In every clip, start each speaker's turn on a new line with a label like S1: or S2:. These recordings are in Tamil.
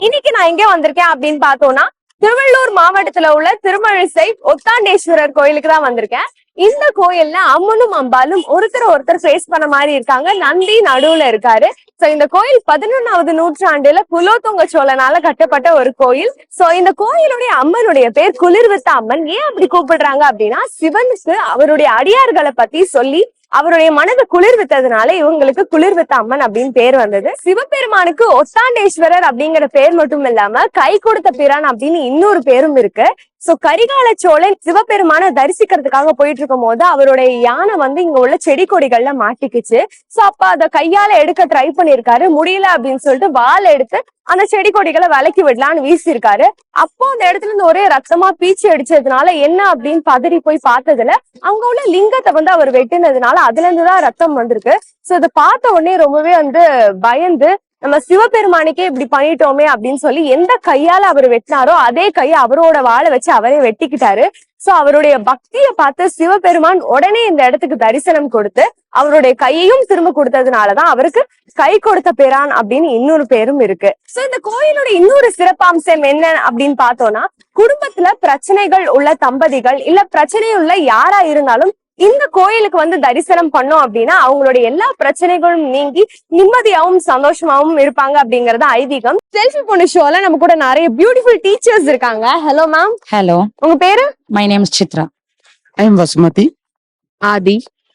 S1: இன்னைக்கு நான் எங்க வந்திருக்கேன் அப்படின்னு பார்த்தோம்னா திருவள்ளூர் மாவட்டத்துல உள்ள திருமழிசை ஒத்தாண்டேஸ்வரர் கோயிலுக்கு தான் வந்திருக்கேன். இந்த கோயில்ல அம்மனும் அம்பாலும் ஒருத்தர் ஃபேஸ் பண்ண மாதிரி இருக்காங்க. நந்தி நடுவுல இருக்காரு. சோ இந்த கோயில் 11வது நூற்றாண்டுல குலோத்துங்க சோழனால கட்டப்பட்ட ஒரு கோயில். சோ இந்த கோயிலுடைய அம்மனுடைய பேர் குளிர்வித்த அம்மன். ஏன் அப்படி கூப்பிடுறாங்க அப்படின்னா சிவனுக்கு அவருடைய அடியார்களை பத்தி சொல்லி அவருடைய மனதை குளிர்வித்ததுனால இவங்களுக்கு குளிர்வித்த அம்மன் அப்படின்னு பேர் வந்தது. சிவபெருமானுக்கு ஒத்தாண்டேஸ்வரர் அப்படிங்கிற பேர் மட்டும் இல்லாம கை கொடுத்த பிரான் அப்படின்னு இன்னொரு பேரும் இருக்கு. சோ கரிகால சோழன் சிவபெருமான தரிசிக்கிறதுக்காக போயிட்டு இருக்கும் போது அவருடைய யானை இங்க உள்ள செடி கொடிகள்ல மாட்டிக்குச்சு. சோ அப்ப அத கையால எடுக்க ட்ரை பண்ணிருக்காரு. முடியல அப்படின்னு சொல்லிட்டு வால் எடுத்து அந்த செடி கொடிகளை விலக்கி விடலான்னு வீசிருக்காரு. அப்போ அந்த இடத்துல இருந்து ஒரே ரத்தமா பீச்சி அடிச்சதுனால என்ன அப்படின்னு பதறி போய் பார்த்ததுல அங்க உள்ள லிங்கத்தை அவர் வெட்டினதுனால அதுல இருந்துதான் ரத்தம் வந்திருக்கு. சோ இதை பார்த்த உடனே ரொம்பவே பயந்து நம்ம சிவபெருமானுக்கே இப்படி பண்ணிட்டோமே அப்படின்னு சொல்லி எந்த கையால அவர் வெட்டினாரோ அதே கையை அவரோட வாழை வச்சு அவரே வெட்டிக்கிட்டாரு. சோ அவருடைய பக்திய பார்த்து சிவபெருமான் உடனே இந்த இடத்துக்கு தரிசனம் கொடுத்து அவருடைய கையையும் திரும்ப கொடுத்ததுனாலதான் அவருக்கு கை கொடுத்த பிரான் அப்படின்னு இன்னொரு பேரும் இருக்கு. சோ இந்த கோயிலோட இன்னொரு சிறப்பம்சம் என்ன அப்படின்னு பார்த்தோம்னா குடும்பத்துல பிரச்சனைகள் உள்ள தம்பதிகள் இல்ல பிரச்சனை உள்ள யாரா இருந்தாலும் இந்த கோயிலுக்கு தரிசனம் பண்ணோம் அப்படின்னா அவங்களுடைய எல்லா பிரச்சனைகளும் நீங்கி நிம்மதியாவும் சந்தோஷமாவும் இருப்பாங்க அப்படிங்கறது ஐதீகம். செல்ஃபி பொண்ணு ஷோல நம்ம கூட நிறைய பியூட்டிஃபுல் டீச்சர்ஸ் இருக்காங்க. Hello ma'am.
S2: ஹலோ.
S1: உங்க பேரு?
S2: My name is Chitra.
S3: I am Vasumathi.
S1: Aadhi.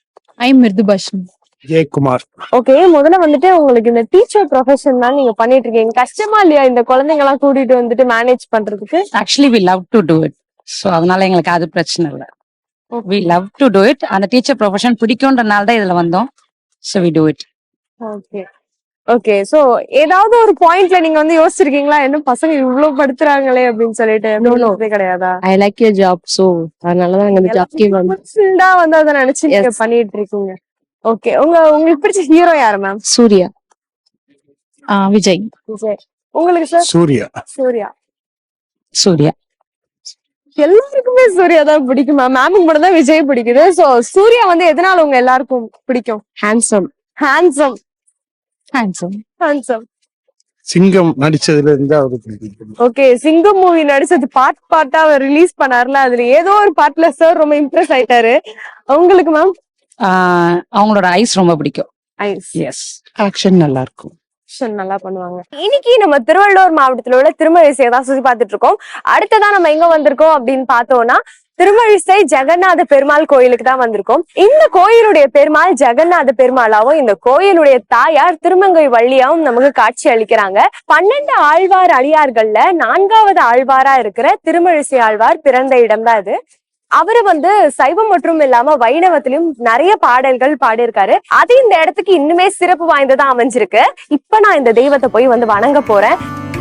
S2: I am Mrudubashan.
S3: Jayakumar.
S1: Okay, முதல்ல உங்களுக்கு இந்த டீச்சர் ப்ரொஃபஷன் தான் நீங்க பண்ணிட்டு இருக்கீங்க. கஷ்டமா இல்லையா இந்த குழந்தைங்க எல்லாம் கூட்டிட்டு மேனேஜ் பண்றதுக்கு?
S2: Actually we love to do it. So அதனால எங்களுக்கு அது பிரச்சனை இல்லை. We love to do it. அந்த டீச்சர் ப்ரொஃபஷன் பிடிக்கும்ன்றனால தான் இதுல வந்தோம். So we do it.
S1: Okay okay. So ஏதாவது ஒரு பாயிண்ட்ல நீங்க யோசிச்சிருக்கீங்களா என்ன பசங்க இவ்வளவு படுத்துறாங்களே அப்படின்னு சொல்லிட்டு? கிடையாதா?
S4: I like your job, so அதனாலதான் இந்த ஜாப்க்கே
S1: வந்து அதை நினைச்சு நீங்க பண்ணிட்டு இருக்கீங்க. ஓகே, உங்களுக்கு பிடிச்ச ஹீரோ யாரு மேம்?
S4: சூர்யா.
S2: விஜய்.
S1: விஜய். உங்களுக்கு சார்?
S3: சூர்யா.
S1: சூர்யா.
S2: சூர்யா.
S1: எல்லாருக்குமே சூர்யா தான் பிடிக்கும் மேம். மேமுக்கு மட்டும் தான் விஜய் பிடிக்குது. சோ சூர்யா எதனால உங்க எல்லாருக்கும் பிடிக்கும்?
S4: Handsome.
S1: Handsome.
S2: Handsome.
S1: Handsome.
S3: Singam நடிச்சதுல இருந்து அவருக்கு பிடிக்கும்.
S1: ஓகே, சிங்கம் மூவி நடிச்சது பார்ட்டா அவர் ரிலீஸ் பண்ணாருல, அதுல ஏதோ ஒரு பார்ட்ல சார் ரொம்ப இம்ப்ரெஸ் ஆயிட்டாரு. உங்களுக்கு மேம்?
S2: அவங்களோட ஐஸ் ரொம்ப பிடிக்கும்.
S1: ஐஸ்.
S2: எஸ்.
S3: ஆக்ஷன் நல்லா இருக்கும்.
S1: நல்லா பண்ணுவாங்க. இன்னைக்கு நம்ம திருவள்ளூர் மாவட்டத்துல உள்ள திருமழிசையை தான் சுத்தி பார்த்துட்டு இருக்கோம். அடுத்ததான் நம்ம எங்க வந்திருக்கோம் அப்படின்னு பார்த்தோம்னா திருமழிசை ஜெகநாத பெருமாள் கோயிலுக்கு தான் வந்திருக்கோம். இந்த கோயிலுடைய பெருமாள் ஜெகநாத பெருமாளாவும் இந்த கோயிலுடைய தாயார் திருமங்கை வள்ளியாவும் நமக்கு காட்சி அளிக்கிறாங்க. 12 ஆழ்வார் அடியார்கள்ல 4வது ஆழ்வாரா இருக்கிற திருமழிசை ஆழ்வார் பிறந்த இடம் தான் இது. அவரு சைவம் மற்றும் இல்லாம வைணவத்திலும் நிறைய பாடல்கள் பாடியிருக்காரு. அது இந்த இடத்துக்கு இன்னுமே சிறப்பு வாய்ந்ததா அமைஞ்சிருக்கு. இப்ப நான் இந்த தெய்வத்தை போய் வணங்க போறேன்.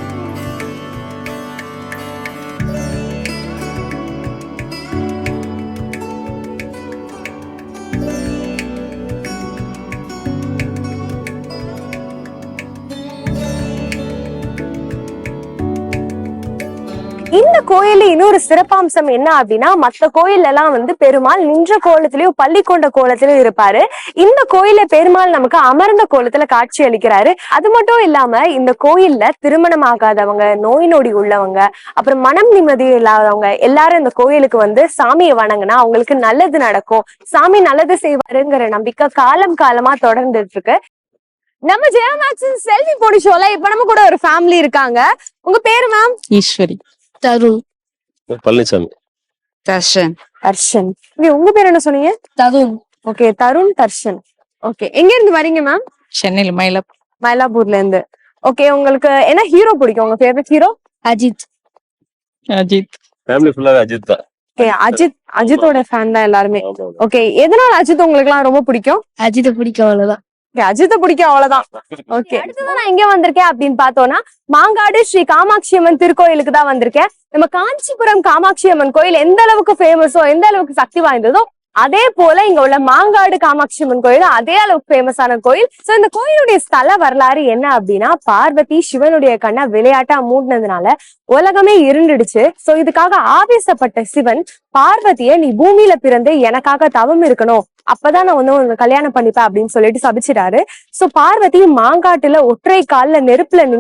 S1: இந்த கோயில்ல இன்னொரு சிறப்பம்சம் என்ன அப்படின்னா மத்த கோயில்ல எல்லாம் பெருமாள் நின்ற கோலத்திலயும் பள்ளி கொண்ட கோலத்திலயும் இருப்பாரு. இந்த கோயில்ல பெருமாள் நமக்கு அமர்ந்த கோலத்துல காட்சி அளிக்கிறாரு. அது மட்டும் இல்லாம இந்த கோயில்ல திருமணம் ஆகாதவங்க, நோய் நொடி உள்ளவங்க, அப்புறம் மனம் நிம்மதி இல்லாதவங்க எல்லாரும் இந்த கோயிலுக்கு சாமியை வணங்கினா அவங்களுக்கு நல்லது நடக்கும், சாமி நல்லது செய்வாருங்கிற நம்பிக்கை காலம் காலமா தொடர்ந்துட்டு இருக்கு. நம்ம ஜெயா மேக்ஸின் செல்ஃபி போடி ஷோல இப்ப நம்ம கூட ஒரு ஃபேமிலி இருக்காங்க. உங்க பேரு மேம்?
S2: ஈஸ்வரி.
S4: தருண்.
S5: பழனிசாமி.
S2: தர்ஷன்.
S1: தர்ஷன். உங்க பேர் என்ன சொன்னீங்க?
S4: தருண்.
S1: ஓகே, தருண், தர்ஷன். ஓகே, எங்க இருந்து வரீங்க மேம்?
S2: சென்னையில
S1: மயிலாப்பூர்ல இருந்து. ஓகே, உங்களுக்கு என்ன ஹீரோ பிடிக்கும்? உங்க favourite hero?
S4: Ajith.
S2: Ajith.
S5: Family ஃபுல்லாவே அஜித் தான்.
S1: ஓகே, அஜித்தோட ஃபேன் தான் எல்லாருமே. ஓகே, எதனால அஜித் உங்களுக்கு எல்லாம் ரொம்ப பிடிக்கும்?
S4: அஜித்தை பிடிக்கும், அவ்வளவுதான்.
S1: அஜித்தை பிடிக்கும், அவ்வளவுதான். ஓகே, அடுத்ததான் நான் எங்க வந்திருக்கேன் அப்படின்னு பார்த்தோம்னா மாங்காடு ஸ்ரீ காமாட்சி அம்மன் திருக்கோயிலுக்கு தான் வந்திருக்கேன். நம்ம காஞ்சிபுரம் காமாட்சி அம்மன் கோயில் எந்த அளவுக்கு ஃபேமஸோ, எந்த அளவுக்கு சக்தி வாய்ந்ததோ, அதே போல இங்க உள்ள மாங்காடு காமாட்சி அம்மன் கோயில் அதே அளவுக்கு ஃபேமஸான கோயில். சோ இந்த கோயிலுடைய ஸ்தல வரலாறு என்ன அப்படின்னா பார்வதி சிவனுடைய கண்ணை விளையாட்டா மூடினதுனால உலகமே இருண்டுடுச்சு. சோ இதுக்காக ஆவேசப்பட்ட சிவன் பார்வதிய நீ பூமியில பிறந்து எனக்காக தவம் இருக்கணும், அப்பதான் நான் உங்க கல்யாணம் பண்ணிப்பேன் அப்படின்னு சொல்லிட்டு சபிச்சிட்டாரு. சோ பார்வதி மாங்காட்டுல ஒற்றை கால்ல நெருப்புல நின்னு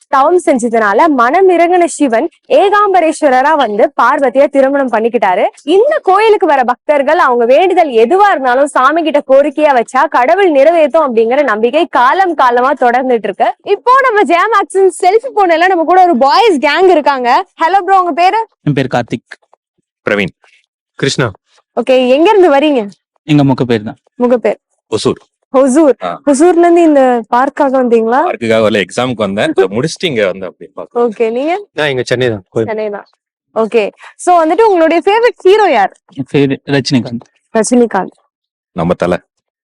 S1: தவம் செஞ்சதுனால மனம் இறங்கின சிவன் ஏகாம்பரேஸ்வரரா வந்து பார்வதியை திருமணம் பண்ணிக்கிட்டாரு. இந்த கோயிலுக்கு வர பக்தர்கள் அவங்க வேண்டுதல் எதுவா இருந்தாலும் சாமி கிட்ட கோரிக்கையா வச்சா கடவுள் நிறைவேற்றும் அப்படிங்கிற நம்பிக்கை காலம் காலமா தொடர்ந்துட்டு இருக்கு. இப்போ நம்ம ஜெயமாக்ஸின் செல்ஃபி போனல நம்ம கூட ஒரு பாய்ஸ் கேங் இருக்காங்க. ஹலோ ப்ரோ, உங்க பேரு?
S6: என் பேர் கார்த்திக்.
S5: பிரவீன்.
S3: கிருஷ்ணா.
S1: ஓகே, எங்க இருந்து வரீங்க?
S6: எங்க முக பேர் தான்
S1: உங்க பேர்?
S5: ஒசூர்.
S1: ஹொசூர்.
S5: ஆ.
S1: ஹொசூர்ல இருந்து இந்த பார்க்காக வந்தீங்களா?
S5: பார்க்குக்காக வரல, எக்ஸாமுக்கு வந்தேன். இப்ப முடிச்சுட்டு இங்க வந்து அப்படி பாக்க.
S1: ஓகே, நீங்க?
S3: நான் இங்க சென்னை தான்.
S1: சென்னை தான். ஓகே, சோ வந்துட்டு உங்களுடைய ஃபேவரட் ஹீரோ யார்?
S6: என் பேர் ரஜினிகாந்த்.
S1: ரஜினிகாந்த்.
S5: நம்ம தலை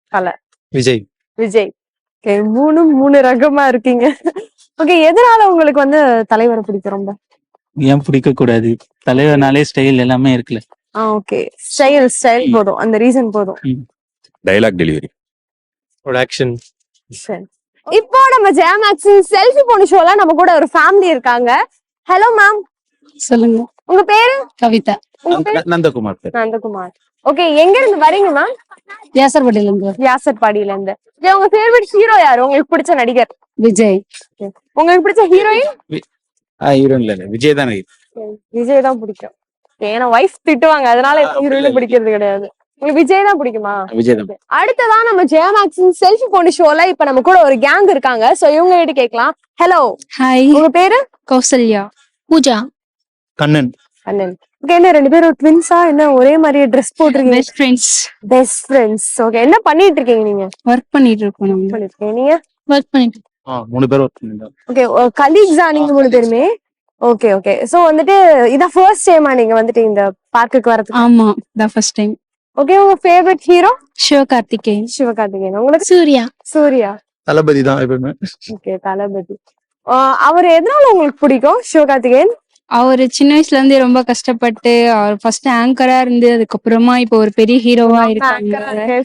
S3: விஜய்.
S1: விஜய். ஓகே, மூணு ரகமா இருக்கீங்க. ஓகே, எதனால உங்களுக்கு வந்து தலைவரை பிடிக்கும் ரொம்ப?
S6: ஏன் பிடிக்க கூடாது? தலைவர்னாலே ஸ்டைல் எல்லாமே இருக்குல்ல.
S1: ஓகே, ஸ்டைல் போதும், அந்த ரீசன் போதும்.
S5: Dialogue delivery.
S3: ஒரு ஆக்ஷன்.
S1: சரி. இப்போ நம்ம ஜெயமாக்ஸின் செல்ஃபி போன ஷோல நம்ம கூட ஒரு ஃபேமிலி இருக்காங்க. ஹலோ மேம்,
S4: சொல்லுங்க.
S1: உங்க பேரு?
S4: கவிதா.
S1: உங்க பேரு?
S3: நந்தகுமார் பேர்.
S1: நந்தகுமார். ஓகே, எங்க இருந்து வரீங்க மேம்?
S4: வியாசர்பட்டியில இருந்து.
S1: வியாசர்பாடியில இருந்து. உங்க ஃபேவரட் ஹீரோ யாரு? உங்களுக்கு பிடிச்ச நடிகர்?
S4: விஜய்.
S1: உங்களுக்கு பிடிச்ச ஹீரோயின்?
S3: ஹீரோயின் இல்ல, விஜய் தான்.
S1: விஜய் தான் பிடிக்கும். ஏன்னா வைஃப் திட்டுவாங்க, அதனால ஹீரோயின் பிடிக்கிறது கிடையாது. உங்களுக்கு விஜய் தான் பிடிக்குமா?
S3: விஜய் தான்.
S1: அடுத்ததா நம்ம ஜெயமாக்ஸின் செல்ஃபி போன ஷோல இப்ப நம்ம கூட ஒரு கேங் இருக்காங்க. சோ இவங்க கிட்ட கேட்கலாம். Hello,
S4: hi.
S1: உங்க பேரு?
S4: கௌசல்யா. பூஜா.
S3: கண்ணன்.
S1: அண்ணன். ஓகே, என்ன ரெண்டு பேரும் ட்வின்ஸா? என்ன ஒரே மாதிரி ட்ரெஸ் போட்டிருக்கீங்க?
S4: Best friends.
S1: Best friends. Okay, என்ன பண்ணிட்டு இருக்கீங்க நீங்க?
S4: ஒர்க் பண்ணிட்டு இருக்கோம் நாங்க.
S1: பண்ணிருக்கீங்க. நீங்க?
S4: ஒர்க் பண்ணிட்டு.
S3: 3 பேர் ஒர்க் பண்ணிருந்தோம்.
S1: ஓகே, கலீக்ஸா நீங்க 3 பேருமே? Okay okay. சோ வந்துட்டு இதான் ஃபர்ஸ்ட் டைமா நீங்க வந்துட்டு இந்த பார்க்குக்கு வரதுக்கு?
S4: ஆமா, த ஃபர்ஸ்ட் டைம்.
S1: ஓகே, உங்க ஃபேவரட் ஹீரோ?
S4: சிவகார்த்திகேயன்.
S1: சிவகார்த்திகேயன். உங்களுக்கு?
S4: சூர்யா.
S1: சூர்யா.
S3: தளபதி தான் எப்பவுமே.
S1: ஓகே, தளபதி. அவர் எதனால உங்களுக்கு பிடிக்கும் சிவகார்த்திகேயன்?
S4: அவர் சின்ன வயசுல இருந்தே ரொம்ப கஷ்டப்பட்டு அவர் ஃபர்ஸ்ட் ஆங்கரா இருந்து அதுக்கப்புறமா இப்போ ஒரு பெரிய ஹீரோவா இருக்காங்க.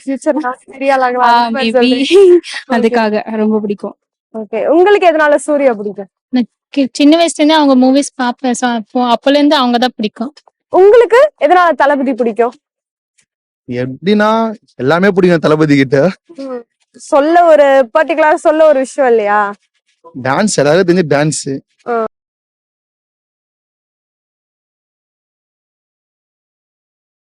S4: அதுக்காக ரொம்ப பிடிக்கும்.
S1: ஓகே, உங்களுக்கு எதனால சூர்யா பிடிக்கும்?
S7: சின்ன வயசுல இருந்து அவங்க மூவிஸ் பாப்பேன். அப்பல இருந்து அவங்க தான் பிடிக்கும்.
S1: உங்களுக்கு எதனால தளபதி பிடிக்கும்?
S3: எப்படின்னா எல்லாமே பிடிக்கும் தளபதி கிட்ட.
S1: சொல்ல ஒரு பர்டிகுலர் சொல்ல ஒரு விஷயம் இல்லையா?
S3: டான்ஸ் எல்லாரும் தெரிஞ்சு டான்ஸ்.